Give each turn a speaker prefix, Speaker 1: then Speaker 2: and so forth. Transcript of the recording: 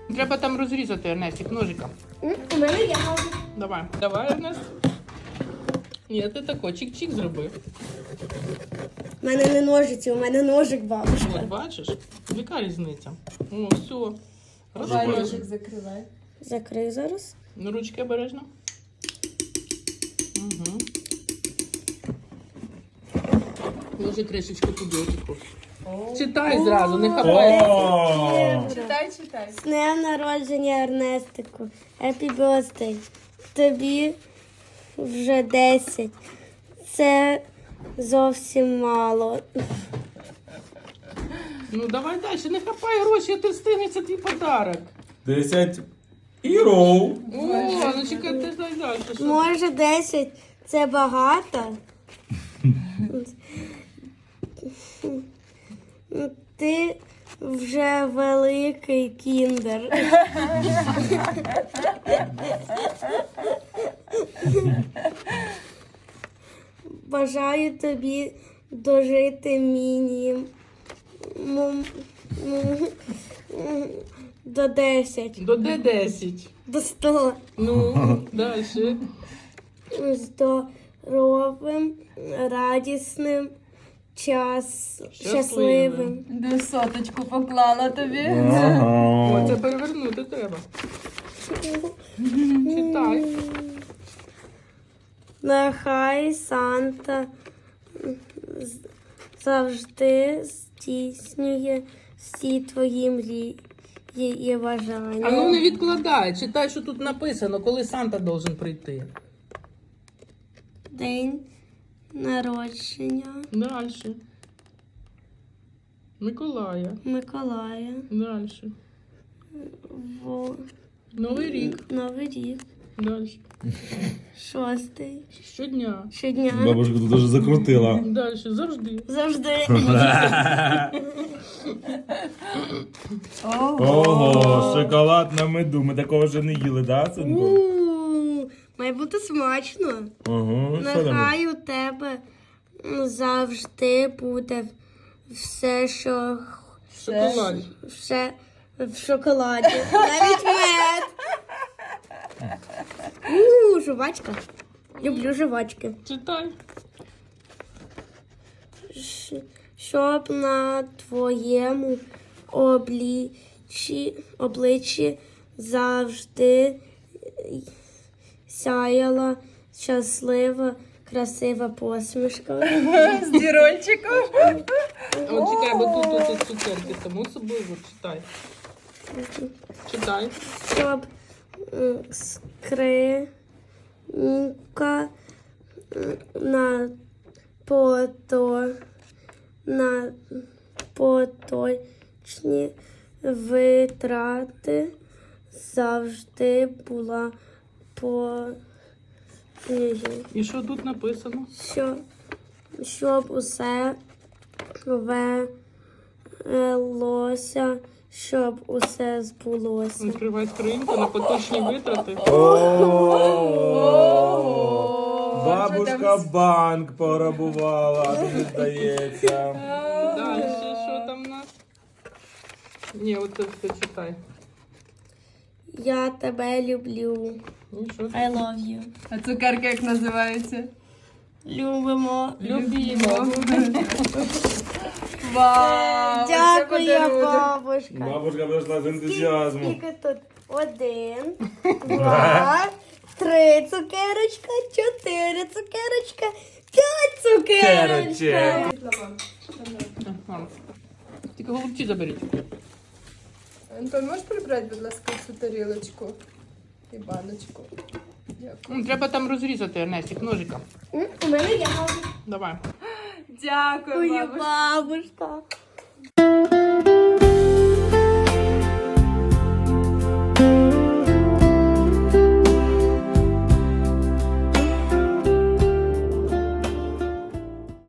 Speaker 1: Треба там розрізати, Ернестик, ножиком.
Speaker 2: У мене є ножик.
Speaker 1: Давай. Давай, Ернест. Ні, ти тако, чик-чик зроби.
Speaker 2: У мене не ножиці, у мене ножик, бабушка.
Speaker 1: От, бачиш? Яка різниця? О, все.
Speaker 3: Давай
Speaker 1: Розбили.
Speaker 3: ножик закривай.
Speaker 2: Закрий зараз.
Speaker 1: Ну, ручки обережно. Угу. Ложи кришечку туди, отаку. Читай зразу, не хапай.
Speaker 3: Читай, читай.
Speaker 2: З днем народження, Ернестику. Happy birthday. Тобі вже 10. Це зовсім мало.
Speaker 1: Ну, давай далі, не хапай гроші, а ти встигнеш, це твій подарок.
Speaker 4: 10 іров.
Speaker 1: О, ну чекай, ти дай далі. Що?
Speaker 2: Може, 10 це багато? Ти вже великий кіндер. Бажаю тобі дожити до 10,
Speaker 1: До Д10.
Speaker 2: до 100.
Speaker 1: Ну, далі.
Speaker 2: Здоровим, радісним, щасливим.
Speaker 3: Де соточку поклала тобі.
Speaker 1: О,
Speaker 4: Ага.
Speaker 1: це перевернути треба. Читай.
Speaker 2: Нехай Санта завжди здійснює всі твої мрії і бажання.
Speaker 1: А ну не відкладай, читай, що тут написано, коли Санта должен прийти.
Speaker 2: День народження
Speaker 1: Далі. Миколая.
Speaker 2: Миколая.
Speaker 1: Далі. Новий рік.
Speaker 2: Новий рік.
Speaker 1: Далі.
Speaker 2: 6.
Speaker 1: Щодня.
Speaker 2: Щодня.
Speaker 4: Бабушка тут дуже закрутила.
Speaker 1: Далі. Завжди.
Speaker 2: Завжди.
Speaker 4: Ого, шоколад на меду. Ми такого вже не їли, да, синку?
Speaker 2: Має бути смачно.
Speaker 4: Ага, що там?
Speaker 2: Нехай у тебе завжди буде все, що
Speaker 1: Шоколад.
Speaker 2: все в шоколаді. Навіть мед. Жувачка. Люблю жувачки.
Speaker 1: Читай.
Speaker 2: Щоб на твоєму обличчі завжди сяяла щаслива, красива посмішка.
Speaker 3: З дірольчиком.
Speaker 1: От чекай, бо тут цукерки, тому собою читай. Читай.
Speaker 2: Щоб скринька на поточні витрати завжди була по
Speaker 1: І що тут написано?
Speaker 2: щоб усе велося, щоб усе збулося.
Speaker 1: Відкривай скриньку на поточні витрати.
Speaker 4: Бабушка банк порабувала, мені здається.
Speaker 1: Далі, що там у нас? Ні, оце все читай.
Speaker 2: Я тебе люблю.
Speaker 1: Ну, що?
Speaker 2: I love you.
Speaker 3: А цукерки як називаються?
Speaker 2: Любимо.
Speaker 1: Любімо.
Speaker 3: Вау! це
Speaker 2: Дякую,
Speaker 3: подарунок.
Speaker 2: бабушка.
Speaker 4: Бабушка прийшла з ентузіазмом.
Speaker 2: Скільки тут? 1, 2, 3 цукерочка, 4 цукерочка, 5 цукерочка.
Speaker 1: Ага. Тільки голубці заберіть.
Speaker 3: Антон, можеш прибрати, будь ласка, цю тарілочку і баночку? Дякую.
Speaker 1: Треба там розрізати, Ернестик, ножиком.
Speaker 2: У мене є ножик.
Speaker 1: Давай.
Speaker 3: Дякую,
Speaker 2: Ой,
Speaker 3: бабусь.
Speaker 2: бабушка.